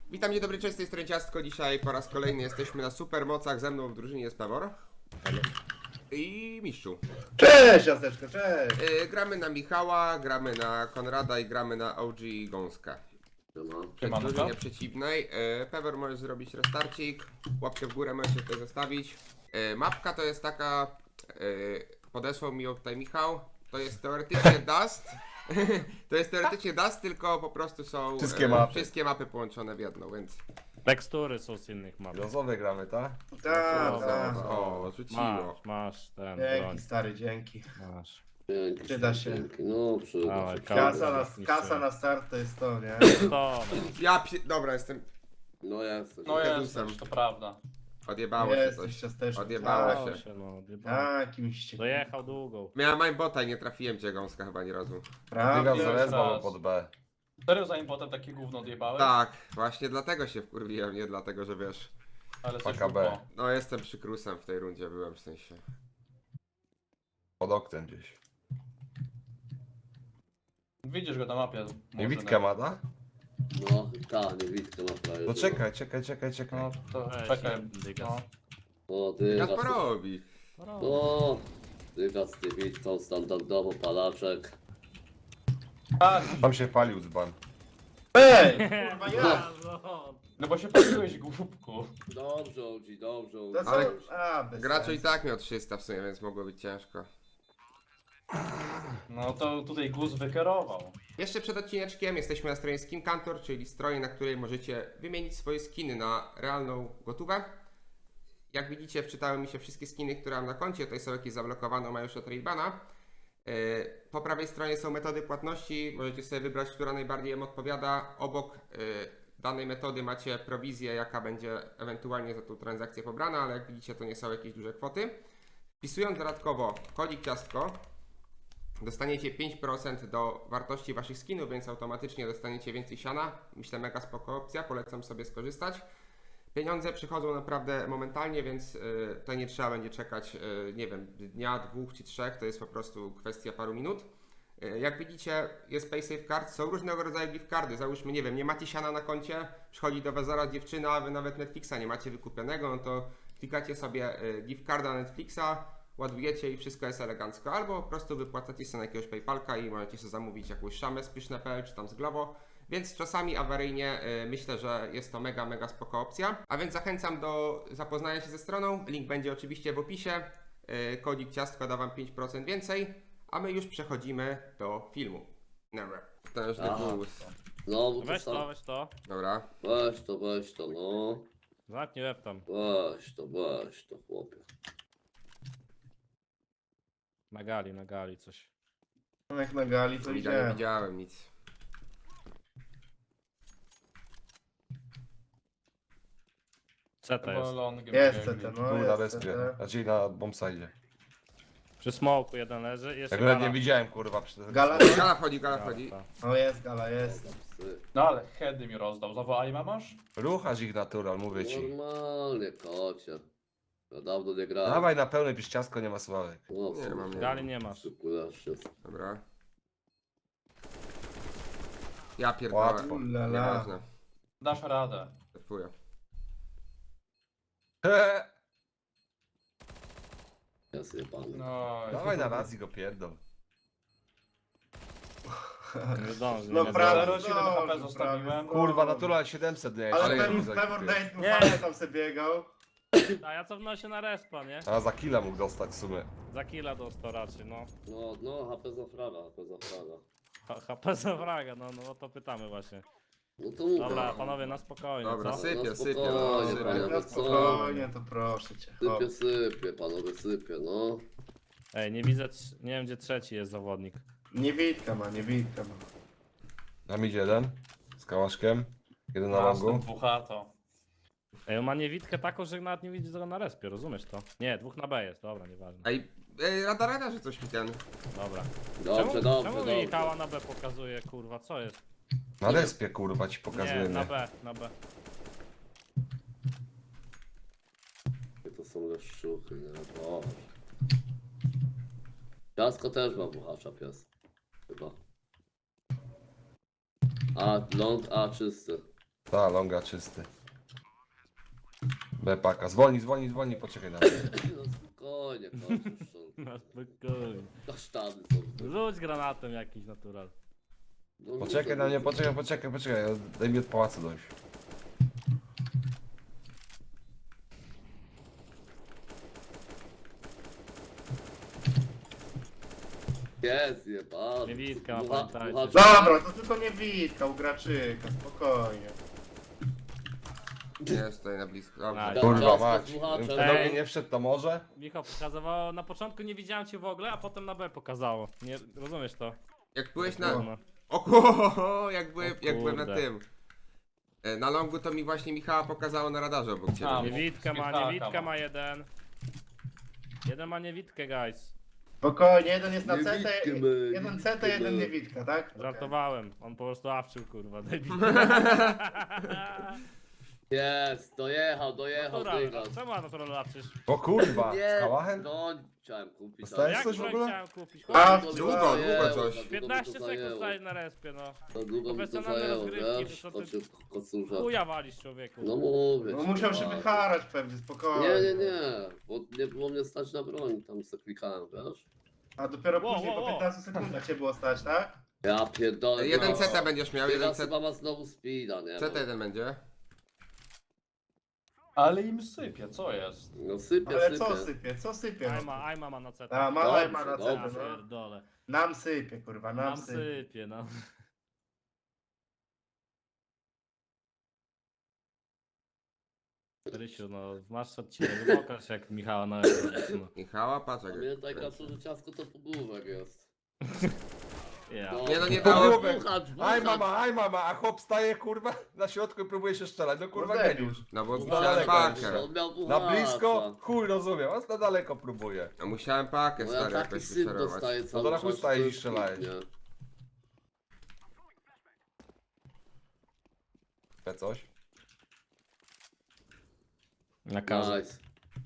Witam, dzień dobry, cześć, z tej strony Ciastko. Dzisiaj po raz kolejny jesteśmy na supermocach. Ze mną w drużynie jest Pewor i Mistrzu. Cześć, Jaseczko, cześć! Gramy na Michała, gramy na Konrada i gramy na OG Gąska. W drużynie przeciwnej. Pewor, możesz zrobić restarcik. Łapkę w górę możesz tutaj zostawić. Mapka to jest taka, podesłał mi ją tutaj Michał. To jest teoretycznie Dust. To jest teoretycznie Dust, tylko po prostu są wszystkie mapy połączone w jedną, więc... Tekstury są z innych map. Losowe gramy, tak? Tak. O, rzuciło. Masz ten broń. Dzięki, stary, dzięki. Masz. Przyda się. No, przyda Dawaj, się. Kasa na start to jest to, nie? To, Dobra, jestem... No jesteś. No Dedusem. jesteś, to prawda. Odjebało się Jesteś coś. ciasteczko. Odjebało Tak, się. no, odjebałem. Takimście. Dojechał długą. Miałem aimbota i nie trafiłem cię, Gąska, chyba nie razu. Biegam Prawie. za resba raz. pod B. Serio zanim potem takie gówno odjebałeś? Tak, właśnie dlatego się wkurwiłem, nie dlatego, że wiesz... Ale coś PKB. było. No, jestem przykrusem w tej rundzie, byłem w sensie. Pod oknem gdzieś. Widzisz go na mapie. Nie Witkę ma, tak? No, tak, nie widzę ma prawie. No czekaj. No to Weź, czekaj. dygas. No. O, ty Jak raz. porobi? No, ty raz, ty widzą standardowo palaczek. Tak, Tam się palił dzban. Ej! Kurwa, ja! no bo się paliłeś głupku. Dobrze, Odzi, dobrze. To co? Ale Bez Gracz i sensu. tak miał 300 w sumie, więc mogło być ciężko. No to tutaj Gus wykierował. Jeszcze przed odcineczkiem jesteśmy na stronie Skin Kantor, czyli stronie, na której możecie wymienić swoje skiny na realną gotówę. Jak widzicie, wczytały mi się wszystkie skiny, które mam na koncie. Tutaj są jakieś zablokowane, mają już od Raybana. Po prawej stronie są metody płatności. Możecie sobie wybrać, która najbardziej Wam odpowiada. Obok danej metody macie prowizję, jaka będzie ewentualnie za tą transakcję pobrana, ale jak widzicie, to nie są jakieś duże kwoty. Wpisując dodatkowo kodzik ciastko, dostaniecie 5% do wartości waszych skinów, więc automatycznie dostaniecie więcej siana. Myślę, mega spoko opcja, polecam sobie skorzystać. Pieniądze przychodzą naprawdę momentalnie, więc to nie trzeba będzie czekać, nie wiem, dnia, 2 czy 3, to jest po prostu kwestia paru minut. Jak widzicie, jest PaySafe Card, są różnego rodzaju gift cardy. Załóżmy, nie wiem, nie macie siana na koncie, przychodzi do was zaraz dziewczyna, a wy nawet Netflixa nie macie wykupionego, no to klikacie sobie gift carda Netflixa, ładujecie i wszystko jest elegancko. Albo po prostu wypłacacie sobie na jakiegoś PayPalka i możecie sobie zamówić jakąś szamę z Pyszne.pl czy tam z Glovo. Więc czasami awaryjnie myślę, że jest to mega spoko opcja. A więc zachęcam do zapoznania się ze stroną. Link będzie oczywiście w opisie. Kodzik ciastko da wam 5% więcej. A my już przechodzimy do filmu. Dobra. Potężny Aha. głos. No, bo to Weź to, sam. weź to. Dobra. Weź to, no. Zamknij łeb tam. Weź to, chłopie. Na gali coś. No jak na gali to Nie idzie. widziałem nic. CT Chyba jest. longiem Jest biegli. CT, no Tu na jest respie. CT. Znaczy na bombside. Przy smoku jeden leży i jeszcze Ja go nawet gala. nie widziałem, kurwa, przy tym. Gala? Gala wchodzi, gala wchodzi. O, jest gala, jest. Psy. No ale heady mi rozdał. Znowu Aima masz? Ruchasz ich natural, mówię ci. Normalnie, kocie. Ja dawno nie grałem. Dawaj na pełne, pisz ciastko, nie ma sławek. No, Nie mam, nie Gali nie masz. Dobra. Ja pierdolę. Łatwo. Ulala. Nieważne. Dasz radę. Defuję. Ja sobie pan. No i... Dawaj na raz i go pierdol. Nie zdąży. No nie prawie zdąży. 0,7 HP zdążył, zostawiłem. prawie Kurwa, zdążył. natural 700 nie Ale Ale Pewor Date mu Nie. fajnie tam sobie biegał. A ja cofnę się na respa, nie? A za killa mógł dostać w sumie. Za killa dostał raczej, no. No, HP za fraga. HP za fraga, no o to pytamy właśnie. No to mówię. Dobra, panowie, na spokojnie, Dobra, co? sypie, No sypie. spokojnie, No, panie. sypie. Na spokojnie, to proszę cię. O. Sypie, panowie, sypie, no. Ej, nie widzę, nie wiem gdzie trzeci jest zawodnik. Niewidka ma. Nam idzie jeden. Z kałaszkiem. Jeden na Mam longu. dwuchato. Ej, on ma niewidkę taką, że nawet nie widzi tego na respie, rozumiesz to? Nie, dwóch na B jest, dobra, nieważne. Ej, rada, że coś mi ten. Dobra. Dobrze. Czemu Michała na B pokazuje, kurwa, co jest? Na respie, kurwa, ci Nie, pokazujemy. na B. To są leszczuchy, nie? Boże. Ciasko też ma buchacza pies. Chyba. A, ląd, czysty. Ta, longa czysty. B paka. Zwolnij, poczekaj na mnie. No spokojnie, kończysz. Na spokojnie. Kasztany są. Rzuć granatem jakiś natural. No, Poczekaj na mnie, poczekaj. Daj mi od pałacu dojść. Jest, jebany. Niewidka, pamiętajcie. Dobra, to tylko nie Witka, u Graczyka, spokojnie. Jest tutaj na blisko. Dobrze. Nice. Kurwa Ciasto mać. z dmuchaczem. Gdybym do mnie nie wszedł, to może? Michał pokazywało, na początku nie widziałem cię w ogóle, a potem na B pokazało. Nie, rozumiesz to? Jak byłeś na... No. O, jak byłem na kurde. tym. Na longu to mi właśnie Michała pokazało na radarze obok ciebie. A, Niewidka ma, Michałka niewidka ma. ma jeden. Jeden ma niewidkę, guys. Spokojnie, jeden jest na Nie CT, Witkę my, jeden nie CT, Witkę jeden my. nie Witka, tak? Okej. Żartowałem. On po prostu awczył, kurwa, debil. Jest, dojechał, Natural, dygas. a czemu natural awczysz? O kurwa, Nie, z kałachem? no chciałem kupić. Dostałeś? Jak coś w broń ogóle? chciałem kupić? A, Chłopie, długo coś. 15 sekund stałeś na respie, no. To długo mi to Profesjonalne zajęło, rozgrywki, wiesz, to co ty- kocurza. Chuja walisz, człowieku. No mówię. No ci, musiał się tak. wycharać pewnie, spokojnie. Nie, bo nie było mnie stać na broń, tam se klikałem, wiesz? A dopiero Wow, później wow, po wow. 15 sekundach cię było stać, tak? Ja pierdolę. Jeden no. CT będziesz miał, jeden Teraz CT. chyba ma znowu speeda, nie? CT jeden będzie. Ale im sypie, co jest? No sypie, Ale sypie. co sypie? No. Ajma ma na CT. A, ma Dobrze, na dobrze. Ja CT, no. pierdolę. Nam sypie, kurwa, nam Nam sypie. sypie, no. Rysiu, no masz odcinek, pokaż jak Michała na no. Michała, patrz jak... Pamiętaj, Kaczu, że ciasko to półgłówek jest. Ja. Nie, no nie dało- Dmuchacz, Aj mama, a chłop staje kurwa na środku i próbuje się strzelać. No kurwa No geniusz. No bo No musiałem daleko pakę. On miał Na dmuchacza. blisko, chuj rozumiem, a na daleko próbuje. No musiałem pakę No ja stary taki jakoś syp wycerować. dostaję cały to na czas. chuj stajesz to i jest strzelałeś. nie? Te coś? Na każdy. Nice.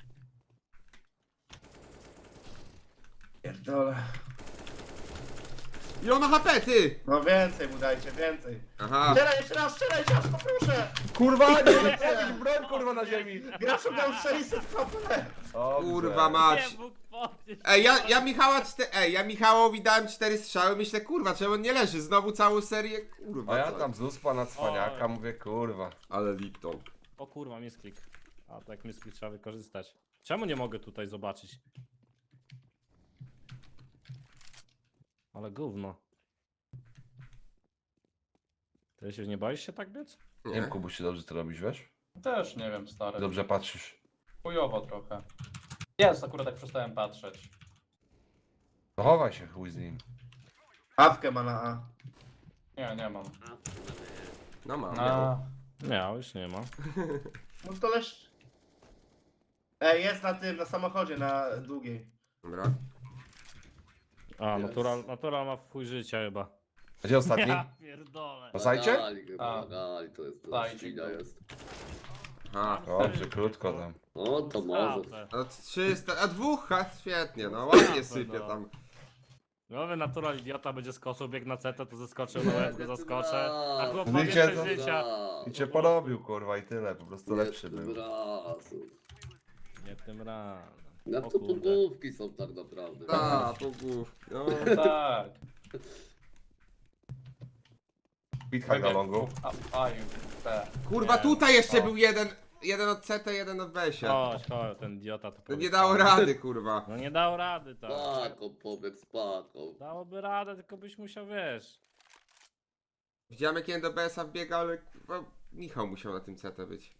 Pierdolę. I on ma HP, ty! No więcej mu dajcie, więcej. Aha. Strzelaj jeszcze raz, strzelaj ciasto, proszę! Kurwa, nie wiem, broń kurwa na ziemi. Graczu dał 600 HP! Dobrze. Kurwa mać. Nie mógł podnieść. Ej, ja Michałowi dałem 4 strzały, myślę, kurwa, czemu on nie leży? Znowu całą serię, kurwa. A ja co? tam z uspa na cwaniaka Oj. mówię kurwa. Ale Lipton. O kurwa, misklik. A tak misklik trzeba wykorzystać. Czemu nie mogę tutaj zobaczyć? Ale gówno. Ty się nie boisz się tak biec? Nie wiem, Kubuś, czy dobrze to robisz, wiesz? Też nie wiem, stary. Dobrze patrzysz. Chujowo trochę. Jest, akurat tak przestałem patrzeć. No chowaj się, chuj z nim. Awkę ma na A. Nie mam. No mam. A, Miał, już nie ma. No to leż... Ej, jest na tym, na samochodzie, na długiej. Dobra. A, natural ma w chuj życia chyba. A gdzie ostatni? Ja pierdolę. Na sajcie? Gali chyba, A. gali, to jest, to Sajcik świnia był. jest. Aha. Dobrze, krótko tam. O, to może. No 300, a dwóch, ha, świetnie, no ładnie sypie no. tam. Nowy natural idiota będzie skosł, bieg na CT, to zeskoczył na łeb, go zaskoczę. A chłop No ma wiecie, więcej to- życia. I cię porobił kurwa i tyle, po prostu lepszy był. Nie tym razem. No O to kurde. półgłówki są tak naprawdę. A, pogłów. No. tak. Pithak na longu. A, i B. Kurwa, Nie. tutaj jeszcze O. był jeden. Jeden od CT, jeden od Besia. Chodź, ten idiota to To nie powiedział. dało rady, kurwa. No nie dał rady, tak. Paką pobiegł z paką. Dałoby radę, tylko byś musiał, wiesz. Widziałem jak jeden do BS-a wbiega, ale kurwa, Michał musiał na tym CT być.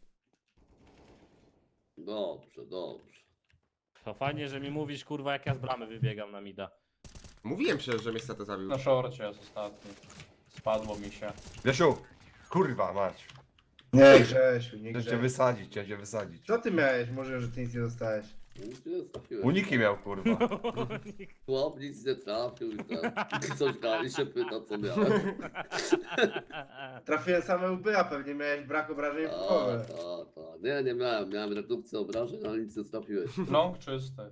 Dobrze, dobrze. To fajnie, że mi mówisz, kurwa, jak ja z bramy wybiegam na mida. Mówiłem przecież, że mnie z CT zabił. Na szorcie jest ostatni. Spadło mi się. Wiesiu, kurwa mać. Nie Grzesiu, nie Chciałem cię Grzesiu. wysadzić, chciałem cię wysadzić. Co ty miałeś? Może, że ty nic nie dostałeś. Nic nie trafiłeś. Uniki miał kurwa. Chłop nic nie trafił i tak. Coś gali się pyta, co miałem. Trafiłem same łby, a pewnie miałeś brak obrażeń w połowę. Tak. Nie miałem. Miałem redukcję obrażeń, ale nic nie trafiłeś. Long czysty.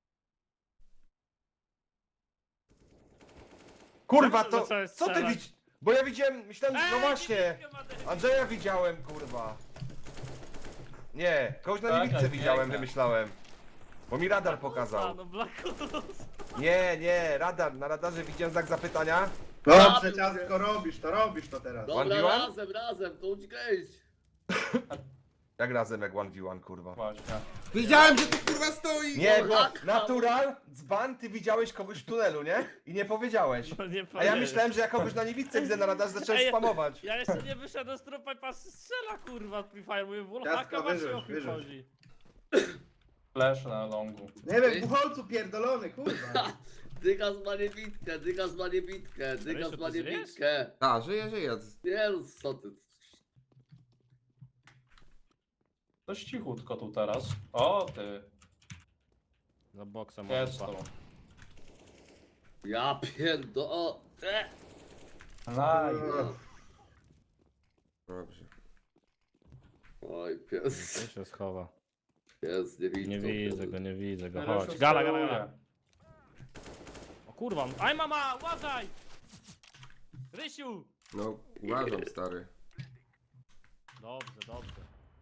Kurwa Co to, zacząłeś co ty strzelać? widzisz? Bo ja widziałem, myślałem, no właśnie. niewidkę ma debil. Andrzeja widziałem, kurwa. Nie, kogoś na Tak, niewidce tak, widziałem, piękne. wymyślałem. Bo mi radar A, pokazał. no Black Ops. Nie, radar, na radarze widziałem znak zapytania. Dobrze, ciastko, robisz to teraz. Dobra, 1v1? razem, to uciekaj. Jak razem, jak 1v1, kurwa. Właśnie. Wiedziałem, że tu kurwa stoi! Nie, No bo tak, natural, dzban, ty widziałeś kogoś w tunelu, nie? I nie powiedziałeś. No nie A ja powiem. myślałem, że ja kogoś na niewidce widzę na radarze, zacząłem Ej, spamować. Ja jeszcze nie wyszedłem z trupa i pas strzela kurwa Free Fire, mówię, Ciastko, Wallhacka macie wyrzuć, o kim wyrzuć. chodzi. Flash na longu. Nie wiem, bucholcu pierdolony, kurwa. Dygas ma niewidkę, Dygas ma niewidkę, Dygas Rysiu, ma ty żyjesz? niewidkę. A, żyje. Nie no, co ty. Dość cichutko tu teraz. O ty. Za boksem Jest małpa. tu. Ja pierdo... Nice. Dobrze. Oj, pies, Tu się schowa. pies, niewidką. Nie widzę go, nie widzę go. Rysiu Chodź. Gala. steruje. O kurwa. Aj mama, uważaj! Rysiu! No, uważam, stary. Dobrze.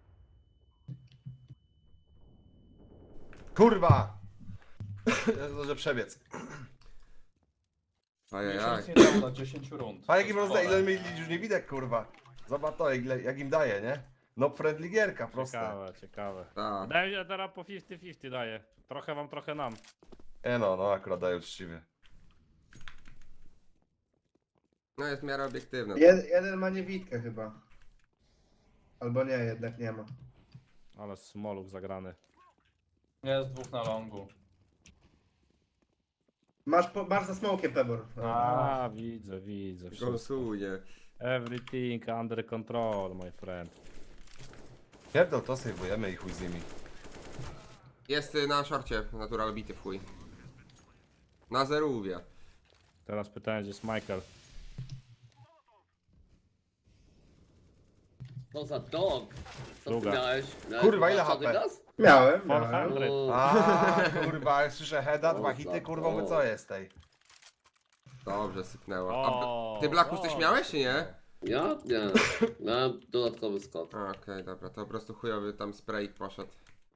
Kurwa! Ja zdążę przebiec. Ajajaj. Miesiąc nie dało na 10 rund. A jak im To jest rozdaje, ile chore. mieli już nie widać, kurwa. Zobacz to, jak im daje, nie? No friendly gierka, proste. Ciekawe. Tak. Wydaje mi się, że teraz po 50-50 daje. Trochę wam, trochę nam. No, akurat daje uczciwie. No jest w miarę obiektywne. Jeden ma niewidkę chyba. Albo nie, jednak nie ma. Ale smoluk zagrany. Jest dwóch na longu. Masz za smokiem, Pebor. A, widzę. Wszystko. Gąsuje. Everything under control, my friend. Pierdol, to sejwujemy i chuj z nimi. Jest na szorcie natural bity w chuj. Na zerówie. Teraz pytanie, gdzie jest Michael. Co za dog? Co Druga. ty miałeś? Kurwa, ile zobaczony HP? gaz? Miałem. 400. O, A, kurwa, jak słyszę heada, O, dwa hity, za kurwa, my to. co jest tej? Dobrze, sypnęło. O, A ty Blackus coś dobrze. miałeś, czy nie? ja? Nie. Miałem dodatkowy skok. Okej, dobra, to po prostu chujowy tam spray poszedł.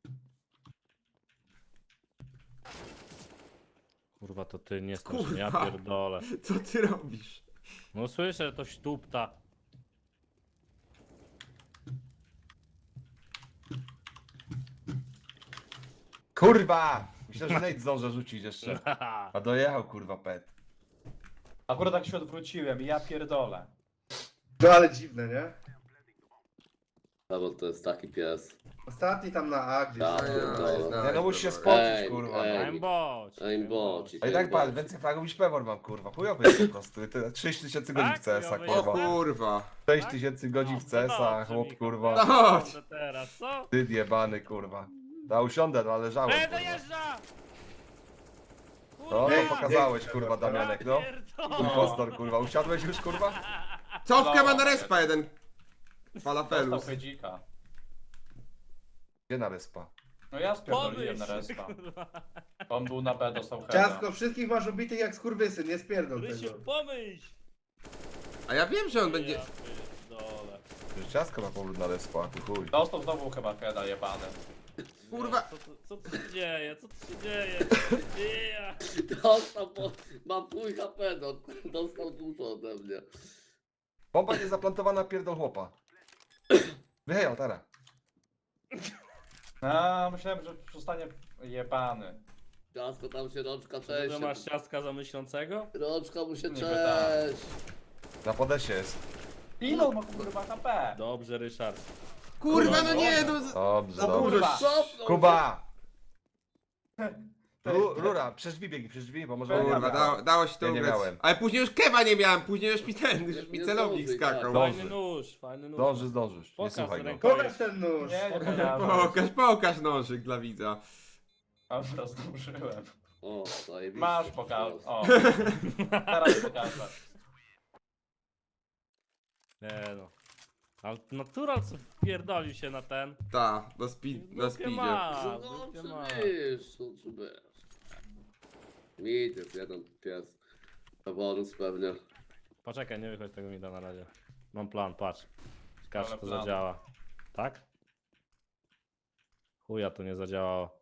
Kurwa, to ty nie strasz, ja Kurwa. pierdolę. Co ty robisz? No słyszę, że to śtupta. Kurwa! Myślę, że Nate zdąży rzucić jeszcze. Haha. A dojechał, kurwa, pet. Akurat tak się odwróciłem i ja pierdolę. No ale dziwne, nie? Bo to jest taki pies. Ostatni tam na A gdzieś. Ja Ajaj, pierdolę. Nie, no musisz się dobra. spocić, kurwa. ej. Aimbot. Aimbocik. A i tak patrz, więcej fragów niż Pewor mam, kurwa. Chujowy jest po prostu. 6000 godzin w Tak, CS-a, chujowy O kurwa. kurwa. 6000 godzin w CS-a, chłop, kurwa. Chodź! Teraz, co? Ty jebany, kurwa. Da usiądę, no ale żałem, kurwa. dojeżdża! No, Ej, to pokazałeś, kurwa, Damianek, no. Impostor, kurwa. Usiadłeś już, kurwa? Cofkę ma na respa jeden. Dostał Falafelus. hedzika. Gdzie na respa? No ja spierdoliłem na respa. On był na B, dostał heada. Ciastko, wszystkich masz ubitych jak skurwysyn, nie spierdol tego. Rysiu, pomyśl! A ja wiem, że on będzie... Ja pierdolę. Już ciasko ma powrót na respa, ty chuj. Dostał znowu chyba heada jebany. Kurwa. Co tu się dzieje? Co tu się dzieje? Co tu się dzieje? Dostał, bo mam pół HP, no. Dostał dużo ode mnie. Bomba nie zaplantowana, pierdol chłopa. Wyhejał, teraz. A, myślałem, że zostanie jebany. Ciasko tam się rączka Ty cześć. masz ciastka za myślącego? Rączka mu się Niby tak. cześć. Na podesie jest. Ile on ma kurwa HP? Dobrze, Ryszard. Kurwa, no nie, no... Dobrze, O dobrze. kurwa. Cofnął Kuba! Rura, przez drzwi biegnij, przez drzwi, bo może... Kurwa, Kurwa, dało się to Ja nie ugrać. miałem. Ale później już kewa nie miałem, później już mi już mi Nie celownik zdążyj, skakał. tak. Fajny nóż. Zdążysz. Nie Pokaż słuchaj go. ręką. Pokaż ten nóż. Nie, nie pokażę. Pokaż nożyk dla widza. Dobra, zdążyłem. O, zajebiście. Masz pokaż. O. Teraz pokażę. Nie no. Ale natural co wpierdolił się na ten. Ta, na Dupie speedzie. ma, No, dupie ma. przybysz, no, przybysz. Widzisz, jeden pies. Faworus pewnie. Poczekaj, nie wychodź tego mi da na razie. Mam plan, patrz. Ciekawe, czy Ale to plan. zadziała. Tak? Chuja to nie zadziałało.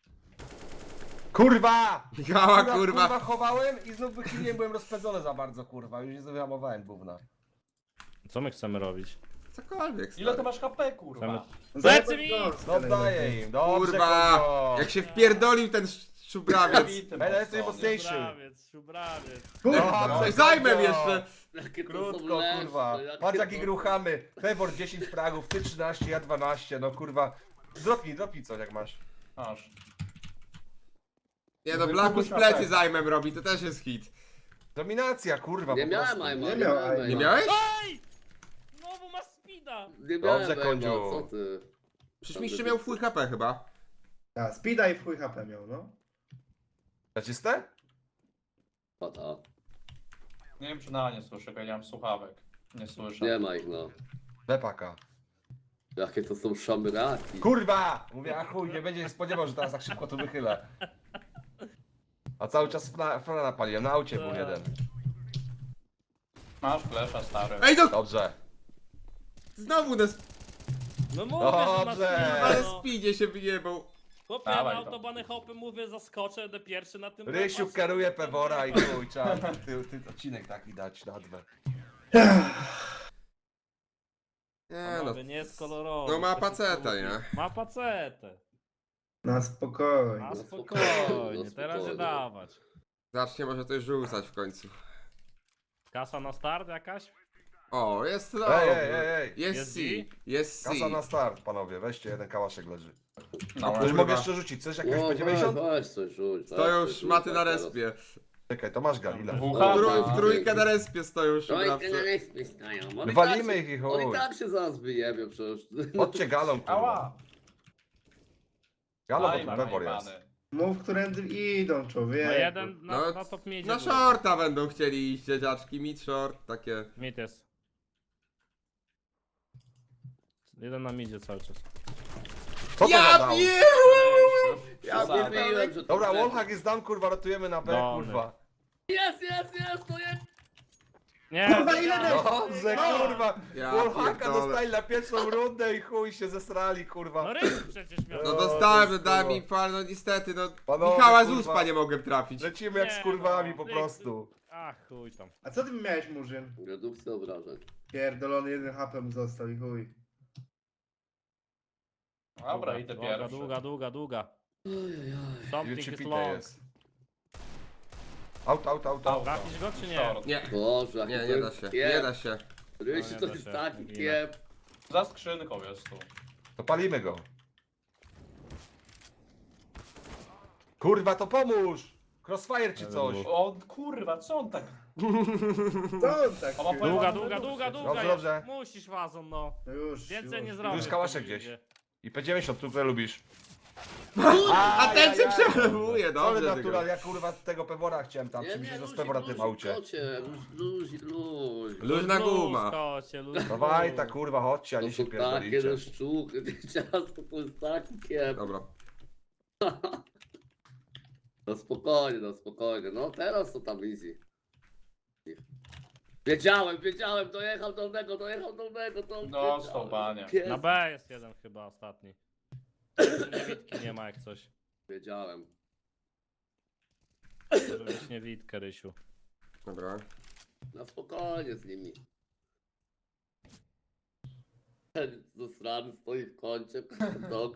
Kurwa! Gała, Kurwa kurwa. chowałem i znów wychyliłem, byłem rozpędzony za bardzo, kurwa. Już nie wyhamowałem gówna. Co my chcemy robić? Cokolwiek, Ile ty stary. masz HP, kurwa? Plecy mi! No daję im, dobrze, Kurwa! Kozio. Jak się wpierdolił ten szubrawiec. Bity Będę mocno, jestem nie? mocniejszy. Szubrawiec. Kurwa. Dobrze, Zajmę Kozio. jeszcze. Jakie to Krótko, są leszcze, kurwa. jakie Patrz to- jaki gruchamy. Pewor 10 fragów, ty 13, ja 12, no kurwa. Dropnij coś jak masz. Masz. Nie no, Blackus plecy zajmem robi, to też jest hit. Dominacja, kurwa, Nie po miałem prostu. Aima, Nie miał Aima. Nie miałeś? Ej! Znowu masz speeda! Nie miałem Dobrze, Aima, Kondziu. co ty? Przecież mistrz miał full HP chyba. A, speeda i w chuj HP miał, no. Zaczyste? Pata. Nie wiem, czy na nie słyszę, bo ja nie mam słuchawek. Nie słyszę. Nie ma ich, no. Bepaka. Jakie to są szamraki. Kurwa! Mówię, a chuj, nie będzie się spodziewał, że teraz tak szybko to wychylę. A cały czas frana napaliłem, na aucie był jeden. Masz flesza, stary. Ej no! Dobrze. Znowu na, No mówię, że masz Dobrze. speeda, na no. speedzie się wyjebał. Chłopie, ja Dawaj na to. autobany hopy mówię, zaskoczę, będę pierwszy na tym. Rysiu repasie. kieruje Pewora i chuj, trzeba ty odcinek taki dać na dwa. Nie no. Panowie, nie jest kolorowy. No ma to się paceta, lubi. nie? Ma pacetę. Na spokojnie. Na No spokojnie, spokojnie, teraz nie spokojnie. dawać. Zacznie może to już rzucać w końcu. Kasa na start jakaś? O, jest Ej, dobrze. ej. Jest Jest C. D? Jest C. Kasa na start, panowie, weźcie, jeden kałaszek leży. No, Ktoś kurwa. mogę jeszcze rzucić, coś jakieś No, będzie weź, 50? weź coś rzuć. To weź już coś rzuć, maty na tak teraz. respie. Czekaj, to masz Galilę. Wucha, W trójkę na respie stoją Trójkę na szubrawcy. respie stają. Oni Walimy tak ich i się- Oni chuj. tak się zaraz wyjebią przecież. Chodźcie galą, kurwa. Ała! Galą, Aj, bo ma tu Pewor najebany. jest. Mów, którędy idą, człowiek. No jeden No, na top midzie. Na shorta będą chcieli iść dzieciaczki, mid short, takie. Mid jest. Jeden na midzie cały czas. Co to Ja za down? pierdolę! Ja Przesadne. pierdolę! Mówiłem, że to Dobra, będzie. wallhack jest down, kurwa, ratujemy na B, Dolny. kurwa. Jest, to jest. Nie! Kurwa, ile nie. Dobrze, No. kurwa. Ja Wallhacka pierdolę. dostali na pierwszą rundę i chuj się zesrali, No kurwa. Rysiu przecież miał. No O, dostałem, to jest dałem kurwa. mi fal, no niestety, no. Panowie, Michała z kurwa. uspa nie mogłem trafić. Lecimy jak Nie, z kurwami no. po prostu. Ach, chuj tam. A co ty miałeś, Murzyn? Redukcja obrażeń. Pierdolony, jeden HP mu został i chuj. Dobra, idę pierwszy. Długa. Something is Jucipite long. jest. Out. Auto. Trafisz go czy nie? Short. Nie, Boże, jaki nie, to nie da jest się, kiep. nie da się. Rysiu, No, nie to da jest się, taki ginę. kiep. Za skrzynką jest tu. To palimy go. Kurwa, to pomóż! Crossfire czy coś. O kurwa, co on tak... Co on tak? O, ma Długa Dobrze, jest. dobrze. Musisz wazon, no. No już. Więcej nie już. zrobisz. Już kałaszek gdzieś. I P90, tu które lubiź. A ten się przelewuje, Ale dobrze. natural, tylko. ja kurwa tego Pewora chciałem tam, czy mi się z Pewora tym aucie. Luź. Luźna guma. Dawaj ta kurwa, chodźcie, a To nie się są takie pierdolicie. leszczuchy, ciasto to jest taki kiep. Dobra. No spokojnie. No teraz to tam easy. Wiedziałem, dojechał dolnego, to Dostał, panie. Na B jest jeden chyba ostatni. Niewidki nie ma jak coś. Wiedziałem. Może być niewidkę, Rysiu. Dobra. Na spokojnie z nimi. Ten zasrany stoi w kącie, dog.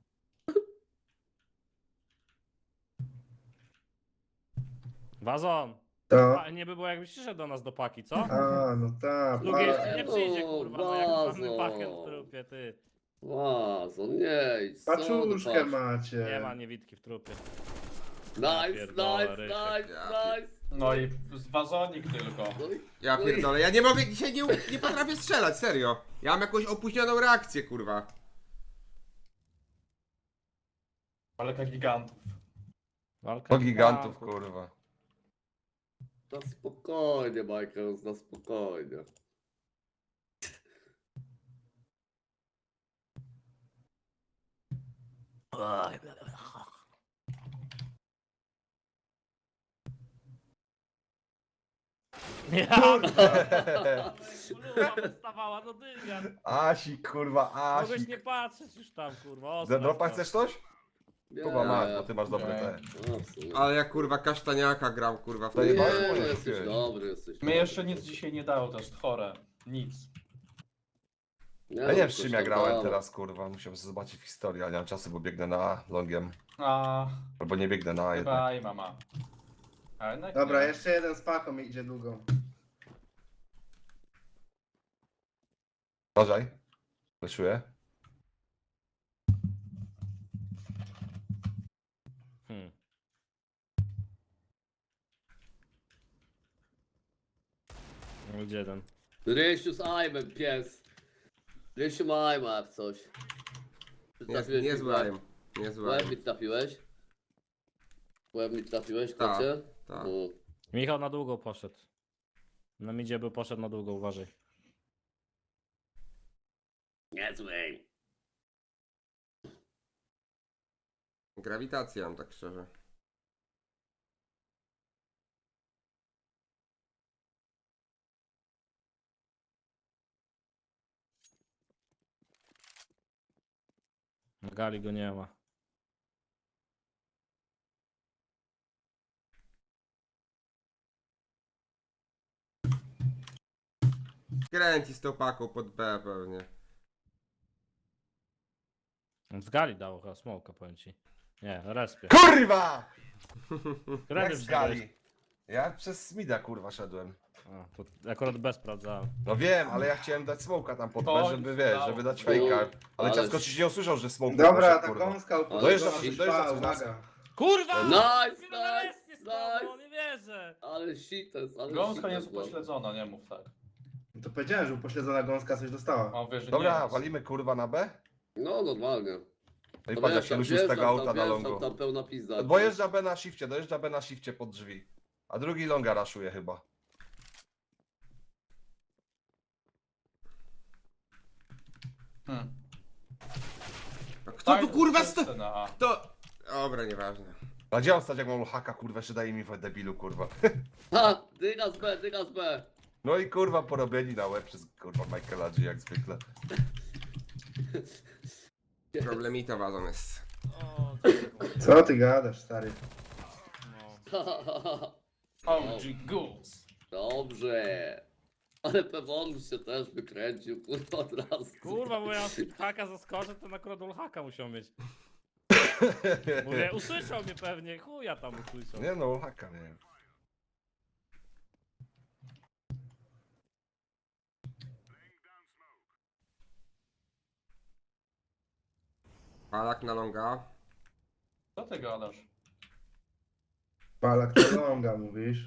Wazon! To. A, nie by było jakbyś przyszedł do nas do paki, co? A, no tak. Z drugiej pa- nie przyjdzie, kurwa, no jak mamy Bazo. pakę w trupie, ty. Łazo, nie idź, co do Paczuszkę patrz. macie. Nie ma niewidki w trupie. Nice, pierdolę, Rysiek. nice. No i wazonik tylko. No i Ja No i- pierdolę, ja nie mogę, dzisiaj nie potrafię strzelać, serio. Ja mam jakąś opóźnioną reakcję, kurwa. Walka gigantów. Walka To gigantów, kurwa. na spokojnie, Michael, na spokojnie. Ja, Luba wystawała, no dygan. Asik, kurwa, Mogłeś Asik. nie patrzeć już tam, kurwa. O, Zedropa sprawdź chcesz coś? Nie, Chyba masz, bo ty masz dobre Nie. te. no, w sumie. Ale ja kurwa kasztaniaka gram kurwa w To Nie, jeba- tej Moje jesteś kupiłeś. dobry, jesteś Mnie jeszcze nic dzisiaj nie dało, to jest chore. Nic. Ja nie wiem, z coś czym ja tam grałem dało. teraz, kurwa. Musiałem sobie zobaczyć w historii, ale nie mam czasu, bo biegnę na A longiem. A, Albo nie biegnę na A jednak. chyba i mama. A jednak Dobra, nie. jeszcze jeden z paką idzie długo. Uważaj. Fleszuję. Hmm. Gdzie jeden? Rysiu z Aimem, pies. Rysiu ma Aima jak coś. Nie, nie złajem. Nie Łeb złajem. mi trafiłeś? Łeb mi trafiłeś, Tak, kocie? tak. No. Michał na długo poszedł. Na midzie by poszedł na długo, uważaj. Niezły. Grawitacja mam tak szczerze. Na gali go nie ma. Kręci z tą paką pod B pewnie. Z gali dało chyba smoka, powiem ci. Nie, respie. Kurwa! Którędy Jak z wszedłeś? gali. Ja przez Smida, kurwa, szedłem. A, to akurat bez sprawdzałem. No wiem, ale ja chciałem dać smoka tam pod B, Oj, żeby wiesz, stało. żeby dać fejka. Ale Ale ciasko ci nie usłyszał, że smoke Dobra, poszedł, ta kurwa. gąska Ale Dojeżdża, upośledzona. dojeżdża coś Uwaga. Kurwa! Nice, Chwilę na nice, respie stał, no nice. nie wierzę. Ale shites, ale Gąska shites, nie jest no. upośledzona, nie mów tak. To powiedziałem, że upośledzona gąska coś dostała. Mam wierzę, Dobra, nie jest. walimy kurwa na B? No normalnie. No i To patrz jak wiesz, się tam ruszy z tego wjeżdżam, auta tam na wjeżdżam, longu. Tam pełna pizda. Dojeżdża B na shifcie pod drzwi. A drugi longa raszuje chyba. A kto Tak, tu kurwa to jest sto... scena A. To... Dobra, nieważne. A gdzie on stać jak mam haka, kurwa, jeszcze daje mi w debilu, kurwa. Ha! Dyga z B, dyga z B. No i kurwa porobieni na łeb przez kurwa Michaela G jak zwykle. Problemita wazon jest. O, Co ty gadasz, stary? no. OG Goose. Dobrze. Ale Pewonus się też wykręcił, kurwa, od razu. Kurwa, bo ja haka zaskoczę, to akurat haka musiał mieć. Mówię, usłyszał mnie pewnie, chuja tam usłyszał. Nie no, haka, nie wiem. Palak na longa. Co ty gadasz? Palak to longa, mówisz?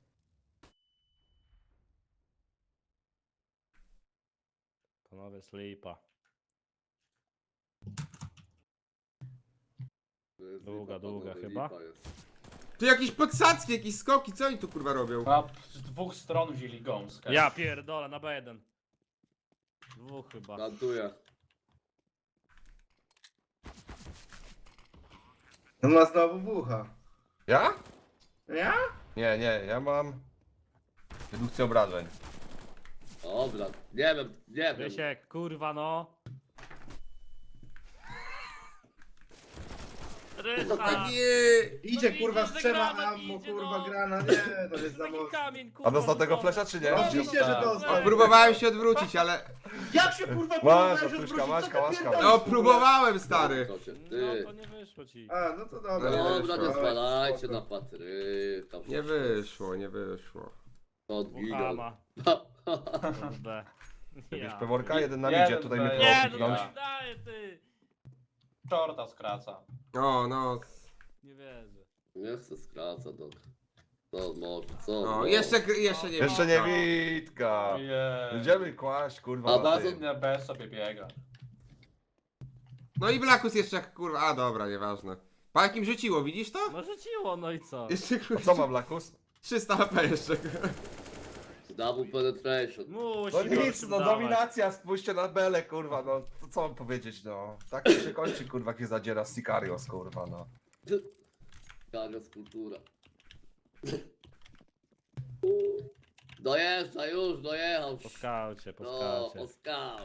Panowie, slipa. To jest Długa, lipa, długa panowie, chyba. lipa jest. Tu jakieś podsadzki, jakieś skoki, co oni tu kurwa robią? A z dwóch stron wzięli gąskę. Ja pierdolę, na B1. Dwóch chyba. Plantuję. On ma znowu wucha. Ja? Ja? Nie, ja mam redukcję obrażeń. Dobra, nie wiem, nie wiem. Rysiek, kurwa no. Rysa! A nie! Idzie No kurwa widzisz, z że trzema granat ammo, idzie, kurwa no. grana, nie, to jest za Taki mocno. kamień, kurwa. A dostał tego rzucony. flesza, czy nie? No oczywiście, że dostał. A próbowałem się odwrócić, ale... Jak się kurwa Masz, próbowałeś Artuszka, odwrócić, masz, co ty kałaszka. pierdolisz, No kurwa? próbowałem, stary. Kocie, No ty. to nie wyszło ci. A, no to dobra. Dobra, nie wyszło. zwalajcie Spoko. na Patryka. Nie wyszło, nie wyszło. Od Buchama. Kurde. Jakieś Ja. peworka, jeden na Jeden midzie, tutaj mnie B, Nie, próbował no piknąć. to mi daje ty. Shorta skraca. O, no. Nie wierzę. Nie chcę skraca, dok. Co może, co? O, może. jeszcze nie Jeszcze nie no. Witka. Ojej. Idziemy kłaść, kurwa, A na bazą tym. Na B sobie biega. No i Blackus jeszcze jak kurwa... A dobra, nieważne. Pa jakim rzuciło, widzisz to? No rzuciło, no i co? Jeszcze A kurwa... co ma Blackus? 300 HP jeszcze. Double penetration. Musi No gościu nic, no dawać. dominacja, spójrzcie na Belę, kurwa, no to co mam powiedzieć, no. Tak to się kończy, kurwa, jak się zadziera Sicarios, kurwa, no. Karios kultura. Dojeżdża już, dojechał. Po skaucie, po No, skaucie. po skaucie.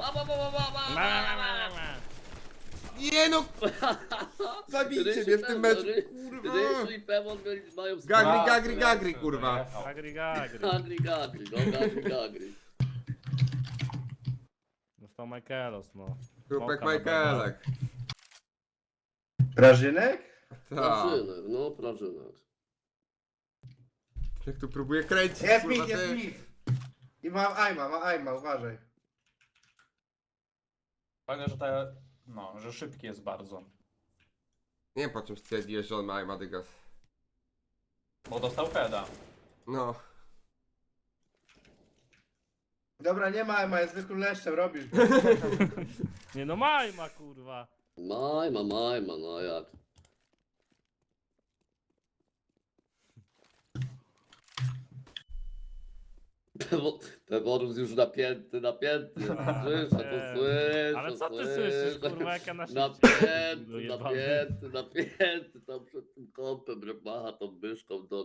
Ma. Nie no! Zabijcie mnie w tym meczu, kurwa! Rysu i Pewor mają Gagri, kurwa. Gagri, gagri. Gagri, no gagri. Dostał Michaelos, no. Grupek Smoka na Michaelek. Prażynek? Tak. Prażynek, no prażynek. Jak tu próbuję kręcić, Jest kurwa, mit, jest ty. mit. I ma aima, uważaj. Fajne, że no, że szybki jest bardzo. Nie wiem po czym stwierdziłeś, że on ma Madygas. Bo dostał heada. No. Dobra, nie ma aima, jest zwykłym leszczem, robisz go. Nie no, Majma, kurwa. Majma, no jak. Peworus już napięty. Słyszę, to Nie. słyszę. Ale co ty słyszysz, kurwa, jak ja na szybcie Napięty, tam przed tym kąpem, że macha tą myszką do...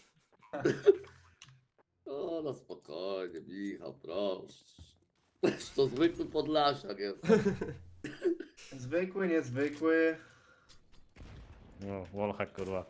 O, no spokojnie, Michał, proszę. To zwykły Podlasiak jest. Zwykły, niezwykły. No, wallhack, kurwa.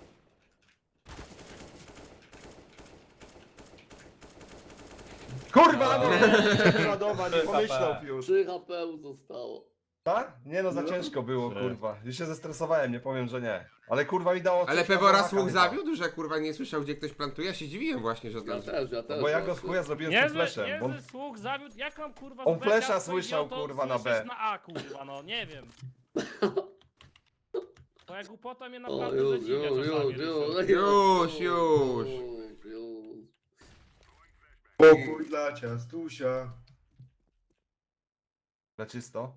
Kurwa, no nie ładować, nie pomyślał już. 3 HP zostało. Tak? Nie no, za ciężko było, Trzy. kurwa. Już się zestresowałem, nie powiem, że nie. Ale kurwa mi dało Ale coś na Pewora zamaka słuch chyba. zawiódł, że kurwa nie słyszał gdzie ktoś plantuje? Ja się dziwiłem właśnie, że Ja to... też. Bo ja go w właśnie. chuja zrobiłem z tym fleszem. Bo on... Niezły słuch zawiódł, jak mam kurwa On z B flesza ciasto słyszał, idioto kurwa, na słyszysz B. na A, kurwa, no, nie wiem. Twoja głupota mnie O, naprawdę już, zadziwia już, czasami, już, Rysiu. Już. Pokój dla ciastusia. Na czysto.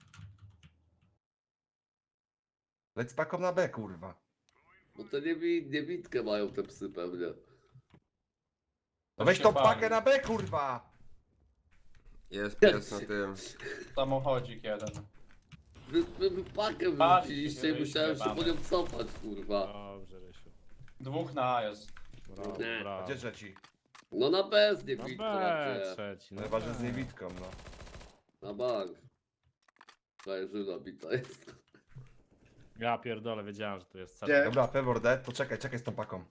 Leć z paką na B, kurwa. Bo te niewidkę mają te psy pewnie. No weź się tą bawi. pakę na B, kurwa! Jest pies na tym. Samochodzik jeden. Wy pakę Bawi wyrzuciliście się, i musiałem się mamy. po nią cofać, kurwa. Dobrze, Rysiu. 2 na A jest. Brawo, Nie. A brawo. gdzie trzeci? No na B z No niewidką, B na trzeci, no Chyba, że z B. niewidką, no. Na bank. Żyna bita jest. Ja pierdolę, wiedziałem, że tu jest Gdzie? set. Dobra, Pevor dead, to czekaj z tą paką.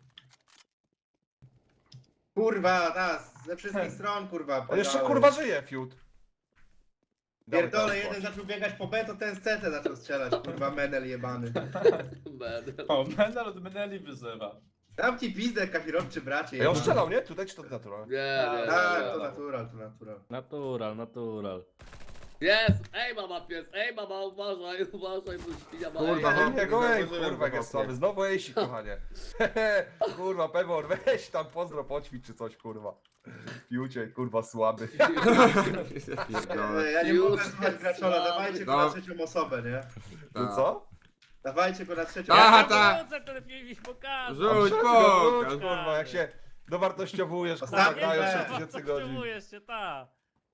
Kurwa, ze wszystkich stron, kurwa. On jeszcze padały. kurwa żyje, fiut. Dawaj, Pierdolę, dawaj, jeden chodź. zaczął biegać po B, to ten z CT zaczął strzelać, kurwa, menel jebany. Menel. O, Menel od Meneli wyzywa. Dam ci pizdę, kafirowczy bracie. Ej, on jebany. strzelał, nie? Tutaj czy to natura? Nie. Tak, to natural. Natural. Jest! Ej mama pies, ej mama, uważaj, bo świnia ma Kurwa, ej. no. Jego ej, Zauważyłem kurwa, jak go jest w oknie. słaby. Znowu ejsi, kochanie. Kurwa, Pevor, weź tam pozdro, poćwicz czy coś, kurwa. Piucie, kurwa, słaby. Pierdolę. Ja nie Już mogę słuchać jest Graczola, słaby. dawajcie go No. na trzecią osobę, nie? Tu co? Dawajcie go na trzecią Aha, osobę. tak. Wrócę ten film i pokażę. Rzuć, Wróć, pokaż. kurwa, jak się dowartościowujesz, kurwa, Ostatni grają B. 6000 godzin. Potrzebujesz się, ta.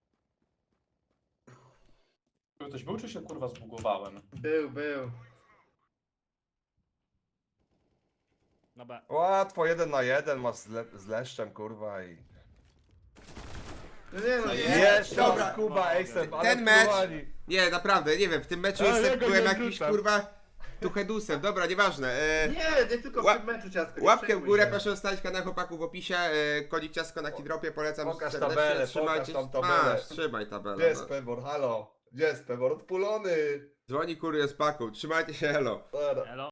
Ktoś był, czy się kurwa zbugowałem? Był. Na B. Łatwo, 1 na 1 masz z leszczem, kurwa i... No nie no, nie. Jeszcze Dobra. raz, Kuba, Ejsem, ale Ten mecz- wpływali. Nie, naprawdę, nie wiem, w tym meczu Ale jestem, ja go byłem nie jakimś wrzucam. kurwa tuchedusem, dobra, nieważne. Nie tylko w Ła- tym meczu ciastko. nie Łapkę w przejmuj górę, się. proszę zostawić kanał chłopaków w opisie, kodzik ciastko na Kidropie, polecam Pokaż serdecznie, tabelę, trzymajcie pokaż tam tabelę. Masz, trzymaj tabelę. Gdzie jest no. Pevor, halo? Gdzie jest Pevor? Odpulony! Dzwoni kurier z paką, trzymajcie się, elo. Dobra. Elo.